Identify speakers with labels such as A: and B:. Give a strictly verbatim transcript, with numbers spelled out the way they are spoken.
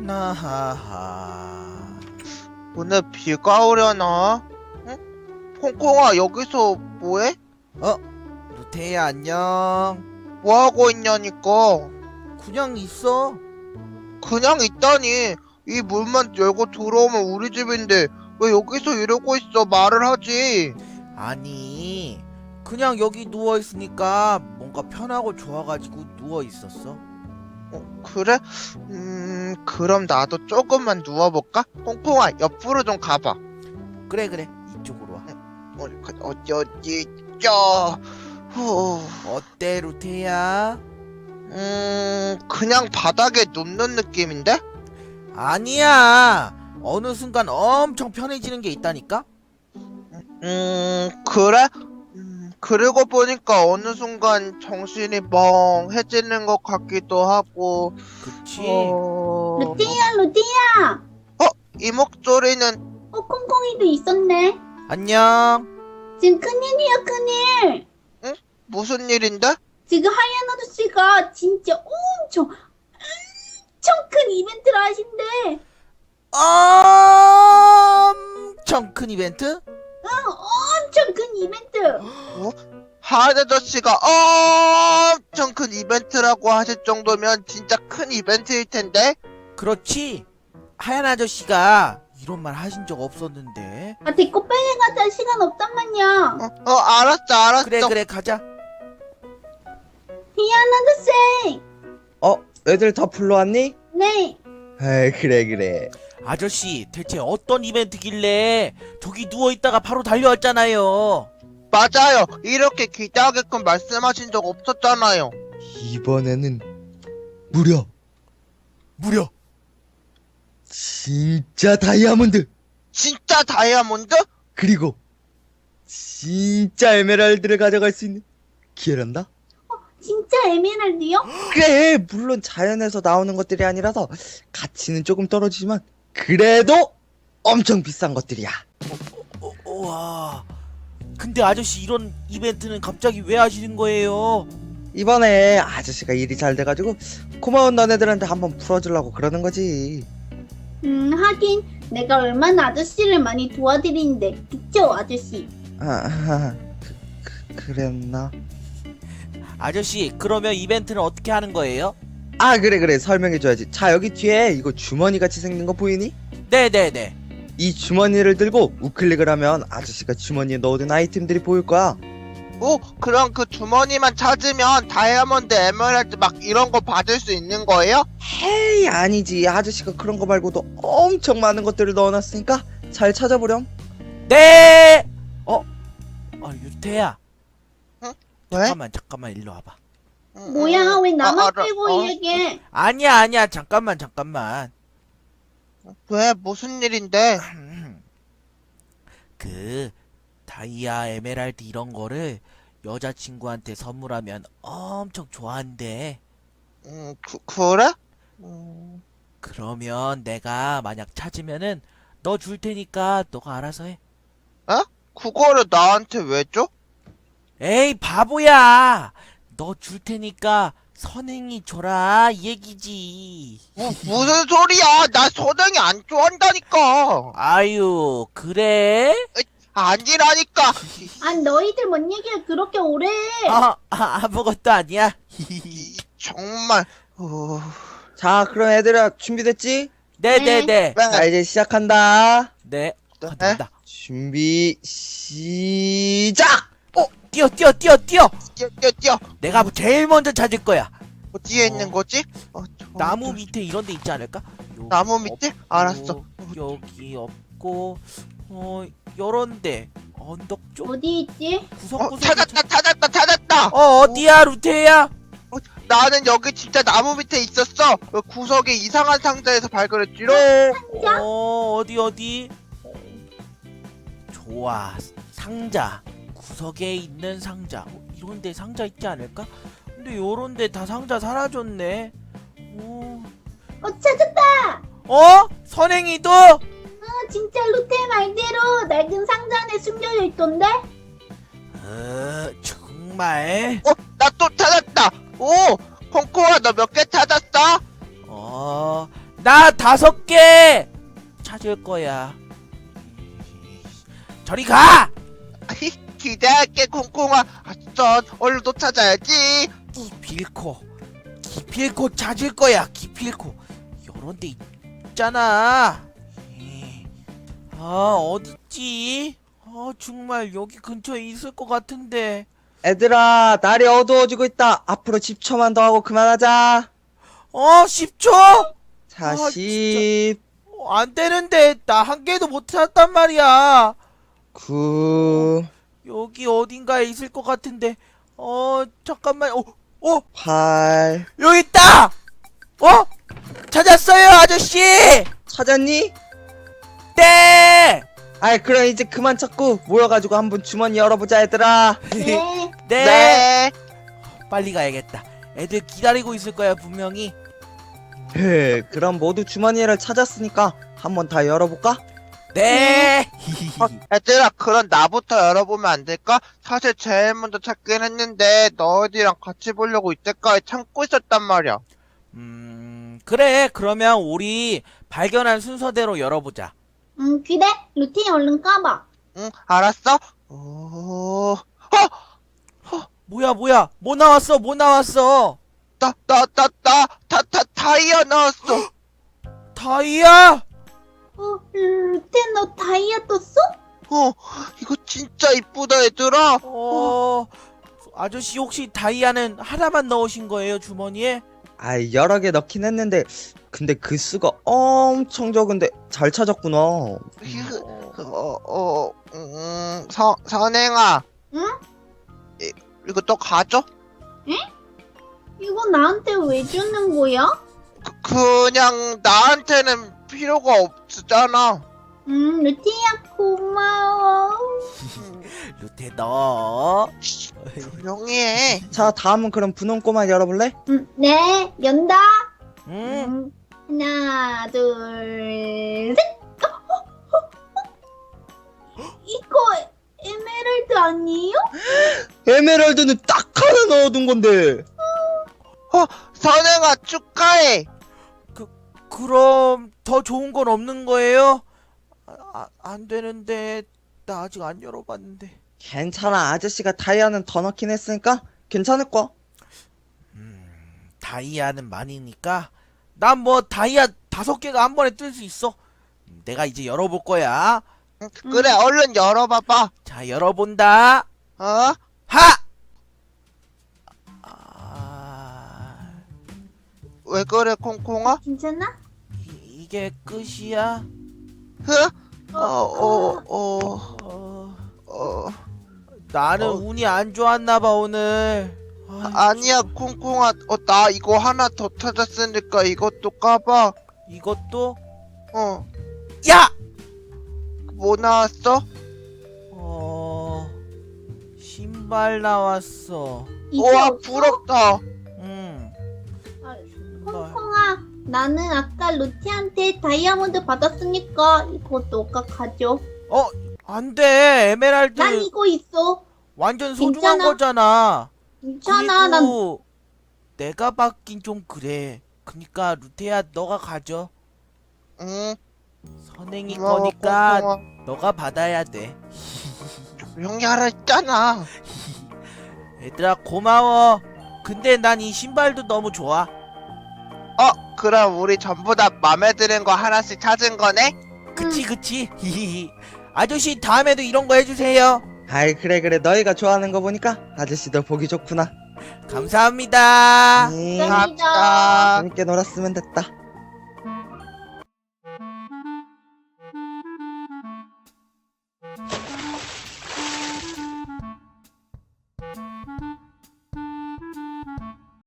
A: 나하하.
B: 오늘 비가 오려나? 응? 콩콩아, 여기서 뭐해?
A: 어? 루테야 안녕.
B: 뭐하고 있냐니까.
A: 그냥 있어.
B: 그냥 있다니. 이 문만 열고 들어오면 우리 집인데 왜 여기서 이러고 있어? 말을 하지.
A: 아니 그냥 여기 누워있으니까 뭔가 편하고 좋아가지고 누워있었어.
B: 어, 그래? 음, 그럼 나도 조금만 누워볼까? 콩콩아, 옆으로 좀 가봐.
A: 그래 그래 이쪽으로 와.
B: 어, 그, 어디, 어디, 저, 후,
A: 어때 루테야?
B: 음, 그냥 바닥에 눕는 느낌인데?
A: 아니야, 어느 순간 엄청 편해지는 게 있다니까?
B: 음, 그래? 음, 그러고 보니까 어느 순간 정신이 멍해지는 것 같기도 하고,
A: 그치?
B: 어,
C: 루테야, 루테야!
B: 이 목소리는,
C: 어, 콩콩이도 있었네.
A: 안녕.
C: 지금 큰일이야, 큰일.
B: 무슨 일인데?
C: 지금 하얀 아저씨가 진짜 엄청, 엄청 큰 이벤트를 하신대.
A: 엄청 큰 이벤트?
C: 응, 엄청 큰 이벤트.
B: 하은 아저씨가 엄청 큰 이벤트라고 하실 정도면 진짜 큰 이벤트일 텐데?
A: 그렇지. 하얀 아저씨가 이런 말 하신 적 없었는데.
C: 아, 데리고 빨리 가자. 시간 없단 말이야.
B: 어, 어, 알았어, 알았어.
A: 그래 그래 가자.
C: 하얀 아저씨!
D: 어? 애들 다 불러왔니?
C: 네.
D: 에이 그래 그래.
A: 아저씨 대체 어떤 이벤트길래 저기 누워있다가 바로 달려왔잖아요.
B: 맞아요. 이렇게 기대하게끔 말씀하신 적 없었잖아요.
D: 이번에는 무려
A: 무려
D: 진짜 다이아몬드
B: 진짜 다이아몬드?
D: 그리고 진짜 에메랄드를 가져갈 수 있는 기회란다?
C: 진짜 에메랄드요?
D: 그래 물론 자연에서 나오는 것들이 아니라서 가치는 조금 떨어지지만 그래도 엄청 비싼 것들이야.
A: 어, 우와. 근데 아저씨 이런 이벤트는 갑자기 왜 하시는 거예요?
D: 이번에 아저씨가 일이 잘 돼가지고 고마운 너네들한테 한번 풀어주려고 그러는 거지.
C: 음, 하긴 내가 얼마나 아저씨를 많이 도와드리는데. 그쵸, 아저씨?
D: 아, 아 그, 그, 그랬나?
A: 아저씨 그러면 이벤트는 어떻게 하는 거예요?
D: 아 그래 그래 설명해줘야지. 자 여기 뒤에 이거 주머니 같이 생긴 거 보이니?
A: 네네네.
D: 이 주머니를 들고 우클릭을 하면 아저씨가 주머니에 넣어둔 아이템들이 보일 거야.
B: 오, 그럼 그 주머니만 찾으면 다이아몬드, 에메랄드 막 이런 거 받을 수 있는 거예요?
D: 헤이 아니지, 아저씨가 그런 거 말고도 엄청 많은 것들을 넣어놨으니까 잘 찾아보렴.
A: 네. 어? 아 유태야.
B: 왜?
A: 잠깐만 잠깐만 일로 와봐.
B: 음,
C: 뭐야,
B: 음.
C: 왜 나만
B: 아, 알아.
C: 빼고
B: 어?
C: 이야기해?
A: 아니야 아니야 잠깐만 잠깐만.
B: 왜? 무슨 일인데?
A: 그 다이아 에메랄드 이런 거를 여자친구한테 선물하면 엄청 좋아한대.
B: 음, 그, 그래? 음,
A: 그러면 내가 만약 찾으면은 너 줄 테니까 너가 알아서 해.
B: 그거를 나한테 왜 줘?
A: 에이 바보야. 너 줄 테니까 선행이 줘라 이 얘기지.
B: 뭐, 무슨 소리야? 나 선행이 안 좋아한다니까.
A: 아유 그래?
B: 아니라니까.
C: 아, 너희들 뭔 얘기를 그렇게 오래 해?
A: 아, 아 아무것도 아니야.
B: 이, 정말. 어...
D: 자 그럼 얘들아 준비됐지?
A: 네네네.
D: 자 이제 시작한다.
A: 네.
B: 네?
A: 간다 간다.
D: 준비 시작!
A: 어 뛰어 뛰어 뛰어 뛰어.
B: 뛰어, 뛰어, 뛰어.
A: 내가 제일 먼저 찾을 거야.
B: 어디에
A: 어.
B: 있는 거지? 어, 저-
A: 나무 밑에 이런 데 있지 않을까? 여기
B: 나무 밑에?
A: 없고,
B: 알았어.
A: 여기 없고 어 요런데 언덕 쪽
C: 어디 있지?
B: 어,
A: 구석구석
B: 찾았다, 찾았다, 찾았다.
A: 어 어디야 루테야?
B: 나는 여기 진짜 나무 밑에 있었어. 그 구석에 이상한 상자에서 발견했지롱.
C: 상자?
A: 어 어디 어디? 좋아 상자 구석에 있는 상자 어, 이런데 상자 있지 않을까? 근데 요런데 다 상자 사라졌네. 어,
C: 어, 찾았다!
A: 어? 선행이도?
C: 어, 진짜 루테 말대로 낡은 상자 안에 숨겨져 있던데?
A: 어 정말?
B: 어, 나 또 찾았다. 오, 콩콩아, 너 몇 개 찾았어?
A: 어 나 다섯 개 찾을 거야. 저리 가!
B: 기대할게 콩콩아. 아싸 얼른 또 찾아야지.
A: 기필코 기필코 찾을 거야. 기필코 요런 데 있잖아. 에이, 아 어딨지? 아 정말 여기 근처에 있을 것 같은데.
D: 애들아, 날이 어두워지고 있다. 앞으로 십 초만 더 하고 그만하자.
A: 어 십 초?
D: 자,
A: 아,
D: 십,
A: 어, 안 되는데 나 한 개도 못 찾았단 말이야.
D: 구,
A: 여기 어딘가에 있을 것 같은데. 어 잠깐만. 어, 어
D: 팔.
A: 여기 있다. 어 찾았어요 아저씨.
D: 찾았니?
A: 네.
D: 아이, 그럼 이제 그만 찾고 모여가지고 한번 주머니 열어보자, 얘들아.
C: 네.
A: 네.
B: 네.
A: 빨리 가야겠다. 애들 기다리고 있을 거야 분명히.
D: 헤, 그럼 모두 주머니를 찾았으니까 한번 다 열어볼까?
A: 네.
B: 어, 얘들아 그럼 나부터 열어보면 안 될까? 사실 제일 먼저 찾긴 했는데 너희들이랑 같이 보려고 이때까지 참고 있었단 말이야.
A: 음 그래. 그러면 우리 발견한 순서대로 열어보자.
C: 응, 그래. 루틴 얼른 까봐.
B: 응 알았어. 오...
A: 뭐야 뭐야 뭐 나왔어 뭐 나왔어.
B: 나, 나, 나, 나, 다, 다, 다이아 나왔어.
A: 다이아.
C: 어, 루틴 너 다이아 떴어?
B: 어, 이거 진짜 이쁘다, 얘들아.
A: 어 아저씨 혹시 다이아는 하나만 넣으신 거예요 주머니에?
D: 아이, 여러 개 넣긴 했는데, 근데 그 수가 엄청 적은데 잘 찾았구나.
B: 휴, 어, 어, 음, 서, 선행아.
C: 응?
B: 이, 이거 또 가져?
C: 이거 나한테 왜 주는 거야?
B: 그, 그냥 나한테는 필요가 없잖아.
C: 음, 루틴이야 고마워.
A: 루테 너.
B: 조용히 해.
D: 자, 다음은 그럼 분홍 꼬마 열어볼래?
C: 음, 네, 연다.
A: 음.
C: 음, 하나, 둘, 셋. 어, 어, 어, 어. 이거 에메랄드 아니에요?
D: 에메랄드는 딱 하나 넣어둔 건데.
B: 선행아, 축하해.
A: 그럼 더 좋은 건 없는 거예요? 아, 안 되는데 나 아직 안 열어봤는데.
D: 괜찮아, 아저씨가 다이아는 더 넣긴 했으니까 괜찮을 거야.
A: 다이아는 많으니까 난 뭐 다이아 다섯 개가 한 번에 뜰 수 있어. 내가 이제 열어볼 거야.
B: 응, 그래, 얼른 열어봐봐.
A: 자 열어본다.
B: 어?
A: 하! 아,
B: 왜 그래, 콩콩아?
C: 괜찮아?
A: 이, 이게 끝이야?
B: 흐? 어, 어, 어,
A: 어,
B: 어.
A: 나는
B: 어.
A: 운이 안 좋았나 봐 오늘. 아,
B: 아니야, 콩콩아. 어, 나 이거 하나 더 찾았으니까 이것도 까봐.
A: 이것도
B: 어,
A: 야!
B: 뭐 나왔어?
A: 어 신발 나왔어.
C: 이제
B: 우와,
C: 없어?
B: 부럽다.
A: 음.
C: 아,
A: 신발.
C: 콩콩아, 나는 아까 루티한테 다이아몬드 받았으니까 이거 너가 가져.
A: 어, 안 돼. 에메랄드
C: 난 이거 있어.
A: 완전 소중한
C: 괜찮아.
A: 거잖아.
C: 괜찮아, 난
A: 그리고 내가 받긴 좀 그래. 그니까 루테야 너가 가져.
B: 응,
A: 선행이
B: 고마워,
A: 거니까
B: 콩콩아.
A: 너가 받아야 돼.
B: 조용히 하라 했잖아.
A: 얘들아 고마워. 근데 난 이 신발도 너무 좋아.
B: 어, 그럼 우리 전부 다 맘에 드는 거 하나씩 찾은 거네?
A: 그치 그치. 아저씨 다음에도 이런 거 해주세요.
D: 아이, 그래 그래, 너희가 좋아하는 거 보니까 아저씨도 보기 좋구나.
A: 감사합니다.
D: 음,
C: 감사합니다.
B: 갑시다.
D: 재밌게 놀았으면 됐다.